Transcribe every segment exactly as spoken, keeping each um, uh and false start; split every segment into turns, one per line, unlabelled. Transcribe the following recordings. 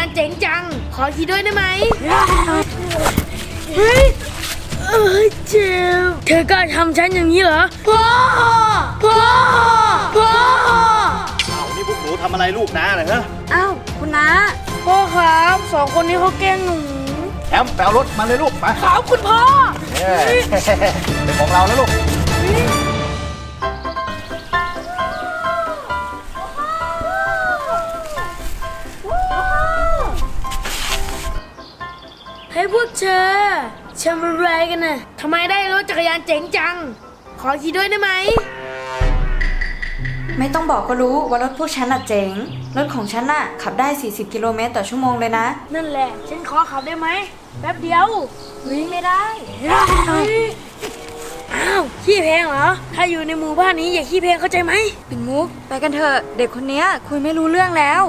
านเจ๋งจังขอขี่ด้วยได้ไหมเฮ้ยเออเจ็บเธอกล้าทำฉันอย่างนี้เหรอพ่อพ่อพ่อ
อ้าวนี่พวกหนูทำอะไรลูกนะเหรอ
อ้าวคุณน้า
พ่อครับสองคนนี้เขาแกล้งหนู
แอมแปลรถมาเลยลูกไป
ครับคุณพ่อ
เป็นของเราแล้วลูก
ให้พวกเธอทำอะไรกันน่ะทำไมได้รถจักรยานเจ๋งจังขอขี่ด้วยได้ไหม
ไม่ต้องบอกก็รู้ว่ารถพวกฉันน่ะเจ๋งรถของฉันน่ะขับได้สี่สิบกิโลเมตรต่อชั่วโมงเลยนะ
นั่นแหละฉันขอขับได้ไหมแป๊บเดียว
วิ่งไม่ได้
อ้าวขี้เพลงเหรอถ้าอยู่ในหมู่บ้านนี้อย่าขี้เพลงเข้าใจไหม
ปิ่นมุกไปกันเถอะเด็กคนนี้คุยไม่รู้เรื่องแล้ว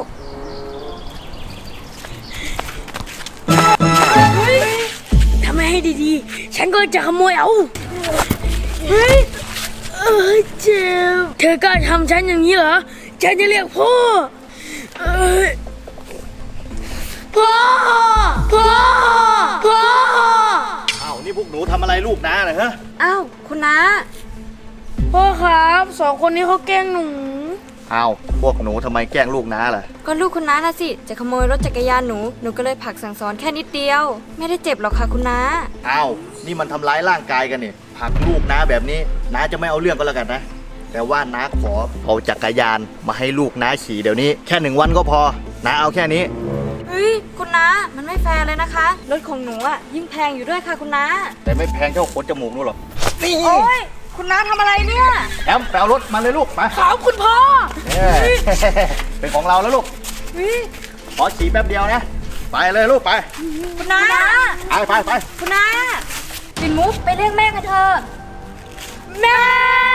ทำไมให้ดีๆฉันก็จะขโมยเอาเฮ้ยเออเจ็บเธอกล้าทำฉันอย่างนี้เหรอฉันจะเรียกพ่อเออพ่อพ่อพ่อ
อ้าวนี่พวกหนูทำอะไรลูกนะเหรอ
อ้าวคุณน้า
พ่อครับสองคนนี้เขาแกล้งหนู
อ้าวพวกหนูทำไมแกล้งลูกน้าล่ะ
ก็ลูกคุณน้าน่ะสิจะขโมยรถจักรยานหนูหนูก็เลยผลักสั่งสอนแค่นิดเดียวไม่ได้เจ็บหรอกค่ะคุณน้า
อ้าวนี่มันทำร้ายร่างกายกันนี่ผลักลูกน้าแบบนี้น้าจะไม่เอาเรื่องก็แล้วกันนะแต่ว่าน้าขอเอาจักรยานมาให้ลูกน้าขี่เดี๋ยวนี้แค่หนึ่งวันก็พอน้าเอาแค่นี้
เฮ้ยคุณน้ามันไม่แฟร์เลยนะคะรถของหนูอ่ะยิ่งแพงอยู่ด้วยค่ะคุณน้า
แต่ไม่แพงเท่าขนจมูกนู่นหรอก
นี่โอ้ยคุณน้าทำอะไรเนี่ย
แอมแปลรถมาเลยลูกไป
ครับคุณพ่อ
เป็นของเราแล้วลูกขอขี่แป๊บเดียวนะไปเลยลูกไป
คุณน้า
ไปไปไป
คุณน้าปิ่นมุกไปเรียกแม่กันเถอะ
แม่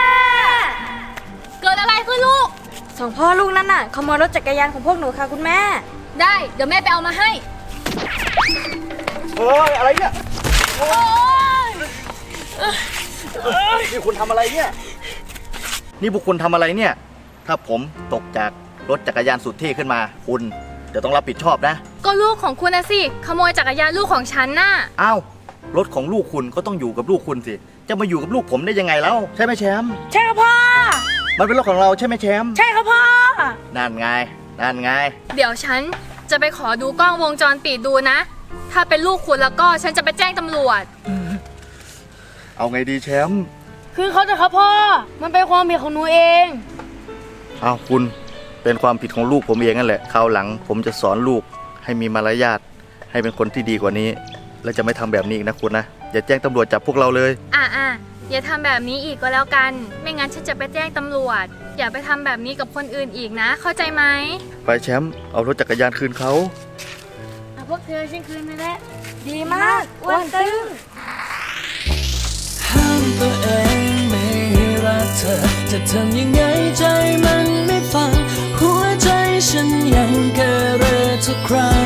เกิดอะไรขึ้นลูก
สองพ่อลูกนั่นน่ะขโมยรถจักรยานของพวกหนูค่ะคุณแม่
ได้เดี๋ยวแม่ไปเอามาให้
เฮ้ยอะไรเนี่ยโอ้ยนี่คุณทำอะไรเนี่ยนี่พวกคุณทำอะไรเนี่ยถ้าผมตกจากรถจักรยานสุดเท่ขึ้นมาคุณจะต้องรับผิดชอบนะ
ก็ลูกของคุณนะสิขโมยจักรยานลูกของฉันน่ะ
อ้าวรถของลูกคุณก็ต้องอยู่กับลูกคุณสิจะมาอยู่กับลูกผมได้ยังไงแล้วใช่ไหมแชมป์
ใช่ครับพ่อ
มันเป็นรถของเราใช่ไหมแชมป์
ใช่ครับพ่อ
นั่นไงนั่นไง
เดี๋ยวฉันจะไปขอดูกล้องวงจรปิดดูนะถ้าเป็นลูกคุณแล้วก็ฉันจะไปแจ้งตำรวจ
เอาไงดีแชมป์
คือเขาจะครับพ่อมันเป็นความผิดของหนูเอง
อ้าวคุณเป็นความผิดของลูกผมเองนั่นแหละคราวหลังผมจะสอนลูกให้มีมารยาทให้เป็นคนที่ดีกว่านี้และจะไม่ทำแบบนี้อีกนะคุณนะอย่าแจ้งตำรวจจับพวกเราเลย
อ่ะอ่ะอย่าทำแบบนี้อีกก็แล้วกันไม่งั้นฉันจะไปแจ้งตำรวจอย่าไปทำแบบนี้กับคนอื่นอีกนะเข้าใจไหม
ไปแชมป์เอารถจักรยานคืนเขา
พวกเธอฉันคืนไปแล้ว
ดีมากอ้วนตึง
ห้ามตัวเองไม่รักเธอจะทำยังไงใจมันไม่ฟังหัวใจฉันยังเกเรทุกครั้ง